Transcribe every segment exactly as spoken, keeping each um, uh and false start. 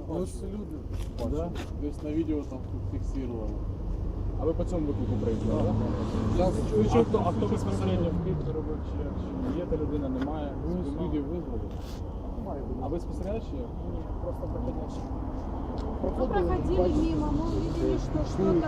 Ну, ж люди. Да? Десь на відео там фіксували. А ви по цьому виклику приїздили, так? Зараз А хто, а хто безпосередньо в Києві робив, чи, чи є та людина, немає? ви з Спіймав? люди визвали. А ви спостерігач чи? Ні, просто проходящий. Мы проходили мимо, мы увидели, что что-то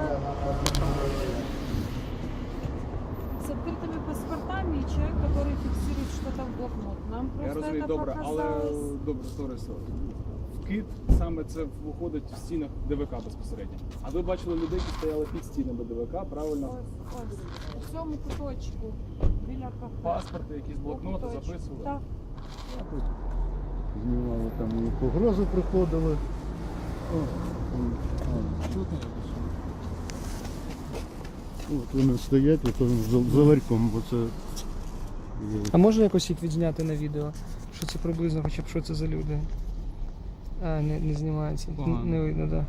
с открытыми паспортами и человек, который фиксирует что-то в блокнот. Нам Я просто розумію, это добре, але показалось... добре, сорі, сорі. В Кит саме це виходить в стінах ДВК безпосередньо. А ви бачили людей, які стояли під стінами ДВК, правильно? Ось, ось, у цьому куточку біля кафе. Паспорти, якісь блокноти Куточку. записували. Так. Знімали там і погрози приходили. О, о, чутно. От вони стоять, от з з ларьком, бо це... А можна якось їх відзняти на відео? Що це приблизно, хоча б що це за люди? А, не, не знімається. Погано. Не, не видно, так. Да.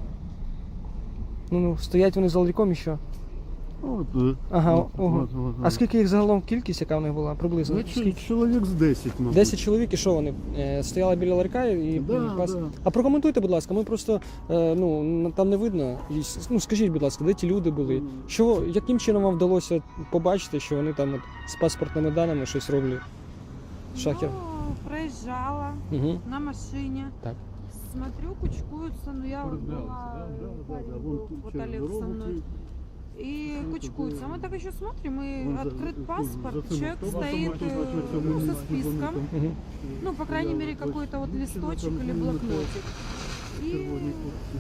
Ну, ну, стоять вони за ларьком і що? От, е, Ага, от, ого. от, от, А скільки їх загалом кількість, яка в них була? Приблизно? Ну, Скільки? ч- чоловік з десять, мабуть. Десять чоловік і що вони? Е, стояли біля ларька і Да, пас... да. А прокоментуйте, будь ласка, ми просто е, ну, н- там не видно. І с- Ну, скажіть, будь ласка, де ті люди були? Що, яким чином вам вдалося побачити, що вони там от з паспортними даними щось роблять? Шахер. Ну, проезжала Угу. на машине. Так. Смотрю, кучкуются, но я вот Разбиралась, была, да, да, да, парень да, был, вон вот через Олег дорогу со мной. ты- И Ну, кучкуются. тут, Мы так еще смотрим, и вон за- открыт тут паспорт, за цим человек автобусом, стоит бачиш, э, бачиш, ну, вони со там, списком, Угу. ну, по крайней Я мере, вот какой-то вот бачу, листочек там или именно блокнотик. И червоні куртки.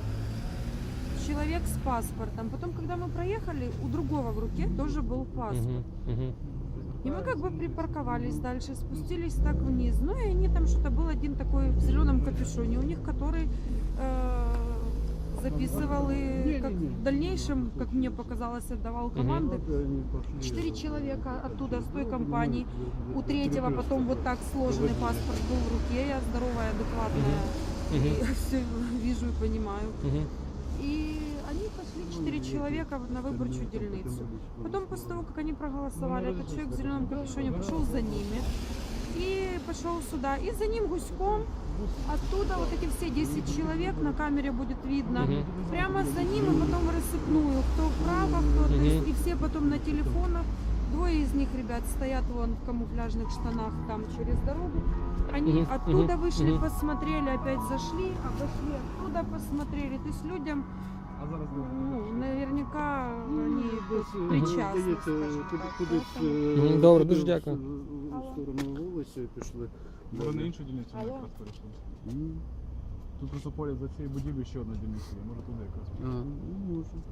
человек с паспортом. Потом, когда мы проехали, у другого в руке тоже был паспорт. Угу. И мы как бы припарковались дальше, спустились так вниз. Ну и они там что-то был один такой в зеленом капюшоне, у них который э, записывал и как в дальнейшем, как мне показалось, отдавал команды. Вот они пошли. Четыре человека оттуда, с той компании. У третьего потом вот так сложенный паспорт был в руке. Я здоровая, адекватная. И все вижу и понимаю. Угу. И они пошли, четыре человека, на выборчую дельницу. Потом, после того, как они проголосовали, этот человек в зеленом капюшоне пошел за ними. И пошел сюда. И за ним гуськом оттуда вот эти все десять человек, на камере будет видно, Мгм. прямо за ним и потом в рассыпную. Кто вправо, кто то Мгм. есть, и все потом на телефонах. Двое из них, ребят, стоят вон в камуфляжных штанах там через дорогу. Они Мгм. оттуда Мгм. вышли, Мгм. посмотрели, опять зашли, обошли оттуда, посмотрели. То есть людям, А зараз ви? ну, наверняка они тут Десь, причастны, здається, скажем куди- так. кудись, Поэтому- е, Мгм, добре, туди, дуже в- дякую. в- В сторону вулиці пішли. Ви на іншу дільницю Алло. якраз перейшли. М. Тут просто поряд за цією будівлею ще одна дільниця є, може туди якраз.